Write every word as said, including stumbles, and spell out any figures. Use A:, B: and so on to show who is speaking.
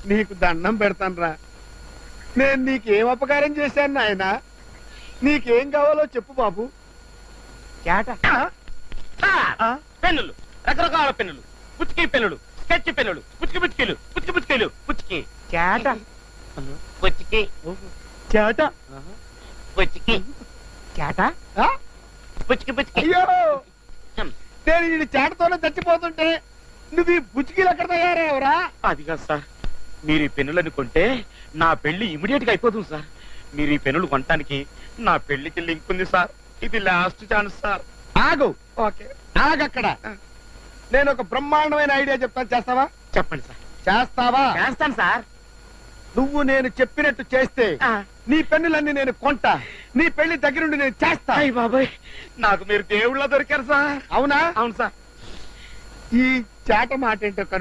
A: నీకు దండం పెడతానురా. నేను నీకేం అపకారం చేశాను నాయన? నీకేం కావాలో చెప్పు బాబు.
B: చేట
C: పెన్నులు, రకరకాల పెన్నులు, పుచ్చుకి పెన్నులు, స్కెచ్ పెన్నులు, పుచ్చుకి పుచ్చుకీలు, పుచ్చుకి పుచ్చుకీలు, పుచ్చుకి
B: చేట
C: పుచ్చుకి
A: చేట.
C: పుచ్చుకి
B: చేట
A: ఆ?
C: పుచ్చుకి పుచ్చుకి.
A: అయ్యో, నేను ఈ చేటతోనే చచ్చిపోతుంటే నువ్వు ఈ బుచ్చికీలు ఎక్కడ తయారయ్యావురా?
C: అది కాదు సార్, మీరు ఈ పెన్నులను కొంటే నా పెళ్లి ఇమిడియట్ గా అయిపోతుంది సార్. మీరు ఈ పెన్నులు కొనటానికి నా పెళ్లికి లింక్ ఉంది సార్. ఇది లాస్ట్ ఛాన్స్ సార్.
A: ఆగు.
C: ఓకే,
A: ఆగక్కడ. నేను ఒక బ్రహ్మాండమైన ఐడియా చెప్తాను, చేస్తావా?
C: చెప్పండి సార్.
A: చేస్తావా?
C: చేస్తాను సార్.
A: నువ్వు నేను చెప్పినట్టు చేస్తే నీ పెన్నులన్నీ నేను కొంటా, నీ పెళ్లి దగ్గరుండి నేను చేస్తా.
C: అయ్య బాబాయ్, నాకు మీరు దేవుళ్ళ దొరికారు సార్.
A: అవునా?
C: అవును సార్.
A: ఈ చేట మాట ఏంటో